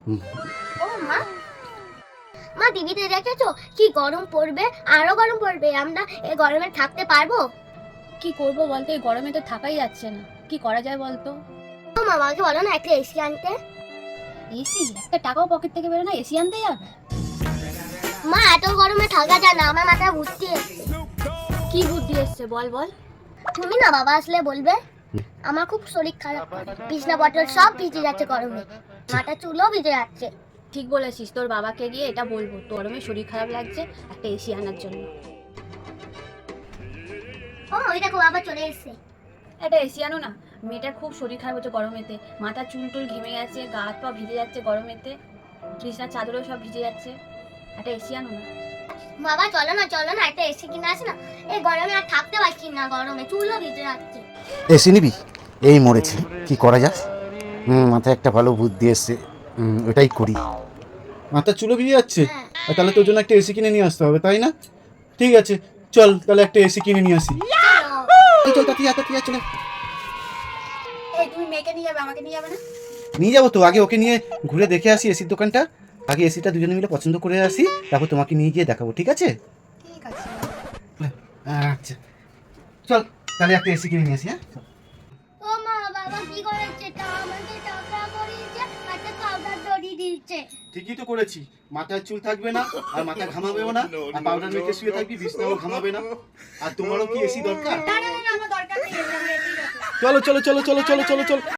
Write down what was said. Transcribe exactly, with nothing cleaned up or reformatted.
ও মা, মা টিভিতে দেখেছো কি গরম পড়বে, আরো গরম পড়বে, আমরা এই গরমে থাকতে পারবো? কি করব বলতো, এই গরমে তো থাকাই যাচ্ছে না। কি করা যায় বলতো? ও মা, আমাকে বলো না একটা এসি আনতে। এসি? একটা টাকাও পকেট থেকে বেরো না, এসি আনতে যাবে? মা এত গরমে থাকা যায় না, আমার মাথায় বুদ্ধি এসছে। কি বুদ্ধি এসছে বল বল। তুমি না বাবা আসলে বলবে, আমার খুব শরীর খারাপ, বিছনা বটল সব ভিজে যাচ্ছে গরমে, মাথা চুলও ভিজে যাচ্ছে। ঠিক বলেছিস, তোর বাবাকে গিয়ে এটা বলবো তোর গরমে শরীর খারাপ লাগছে, একটা এসি আনার জন্য। ও ওই দেখো বাবা চলে এসেছে। একটা এসি আনো না, মেয়েটার খুব শরীর খারাপ হচ্ছে গরমেতে, মাথা চুল টুল ঘেমে গেছে, গা হাত পা ভিজে যাচ্ছে গরমেতে, বিছনার চাদরও সব ভিজে যাচ্ছে, একটা এসি আনো না। বাবা চলো না চলো না, একটা এসি কিনে আসে না, এই গরমে আর থাকতে পারছি না, গরমে চুলও ভিজে যাচ্ছে। এসি নিবি? এই মরেছে, কি করা যায়? হুম, মাথায় একটা ভালো বুদ্ধি এসছে, হুম, ওটাই করি। মাথা চুলো ভিজে যাচ্ছে, হ্যাঁ। আর তাহলে তোর জন্য একটা এসি কিনে নিয়ে আসতে হবে, তাই না? ঠিক আছে, চল তাহলে একটা এসি কিনে নিয়ে আসি। এই চল তাড়াতাড়ি আয়, তাড়াতাড়ি আয়, চলে এই তুমি মেয়েকে নিয়ে যাবে, আমাকে নিয়ে যাবে না? নিয়ে যাবো তো, আগে ওকে নিয়ে ঘুরে দেখে আসি এসির দোকানটা, আগে এসিটা দুজনে মিলে পছন্দ করে আসি, তারপর তোমাকে নিয়ে গিয়ে দেখাবো, ঠিক আছে? ঠিক আছে। আচ্ছা চল তাহলে একটা এসি কিনে নিয়ে আসি। হ্যাঁ ও মা, বাবা কি করেছে, তা আমাকে টাকা করিয়েছে, একটা পাউডার দড়ি দিয়েছে। ঠিকই তো করেছি, মাথায় চুল থাকবে না, আর মাথা ঘামাবেও না, আর পাউডার মেখে শুয়ে থাকবি, বিছনাও ঘামাবে না। আর তোমারও কি এসি দরকার? না না না, আমার দরকার নেই, আমার এসি দরকার। চলো চলো চলো চলো চলো চলো চলো